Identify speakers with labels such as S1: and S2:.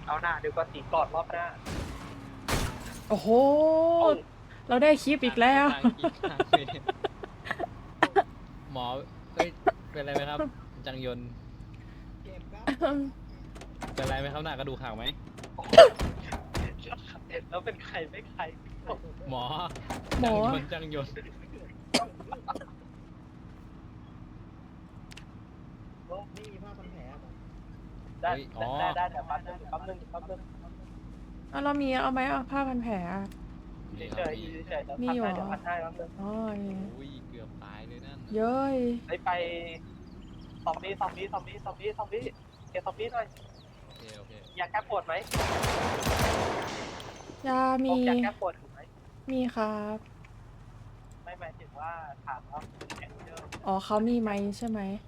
S1: เอาหน้าเดี๋ยวก็ตีกอดรอบหน้า
S2: โอ้โห
S1: โอ้
S2: เราได้คลิปอีกแล้ว
S3: หมอเอ้ยเป็นไรไหมครับ จังยนต์เป็นไรไหมครับหน้ากระดูกหักไหม
S1: แล้วเป็นใครไม่ใคร
S3: หมอ
S2: หมอ
S3: จังยนต์
S4: นี่ผ้าพันแผลอะ
S1: ได้เดี๋ยวแป๊บนึง
S2: เอาเรามีเอาไหมเอาผ้าพันแผลอะ
S1: เฉยๆเดี๋ยวพันให้แป๊บนึง
S2: อ๋อ
S3: อุ้ยเกือบตายเลยนั่น
S2: เย้ย
S1: ไปซอมบี้เก็บซอมบี้หน่อย
S3: โอเค
S1: อยากแก้ปวดไหม
S2: ยามี
S1: อยากแก้ปวดถูกไหม
S2: มีครับ
S1: ไม่หมายถึงว่าถามว่าแข็งเยอะ
S2: อ๋อเขามีไหมใช่ไหม